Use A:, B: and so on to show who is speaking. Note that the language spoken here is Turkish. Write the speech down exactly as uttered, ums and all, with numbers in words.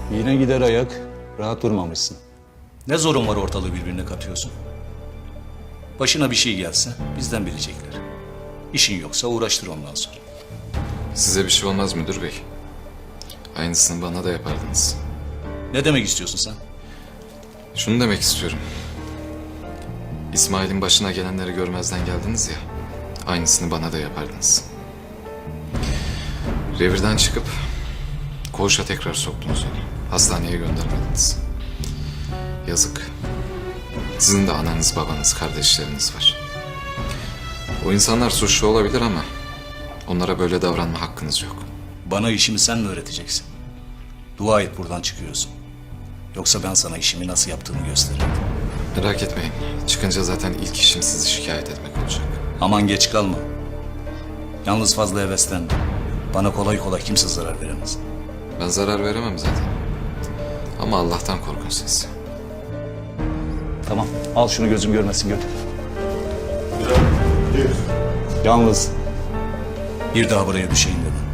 A: Yine gider ayak. Rahat durmamışsın.
B: Ne zorun var ortalığı birbirine katıyorsun? Başına bir şey gelse bizden bilecekler. İşin yoksa uğraştır ondan sonra.
C: Size bir şey olmaz müdür bey. Aynısını bana da yapardınız.
B: Ne demek istiyorsun sen?
C: Şunu demek istiyorum. İsmail'in başına gelenleri görmezden geldiniz ya. Aynısını bana da yapardınız. Revirden çıkıp koğuşa tekrar soktunuz onu. Hastaneye göndermediniz. Yazık. Sizin de ananız, babanız, kardeşleriniz var. O insanlar suçlu olabilir ama onlara böyle davranma hakkınız yok.
B: Bana işimi sen mi öğreteceksin? Dua et buradan çıkıyorsun. Yoksa ben sana işimi nasıl yaptığımı gösteririm.
C: Merak etmeyin. Çıkınca zaten ilk işim sizi şikayet etmek olacak.
B: Aman geç kalma. Yalnız fazla heveslenme. Bana kolay kolay kimse zarar veremez.
C: Ben zarar veremem zaten. Ama Allah'tan korkun siz.
A: Tamam. Al şunu gözüm görmesin götür. Yalnız
B: Bir daha buraya düşeyim deme.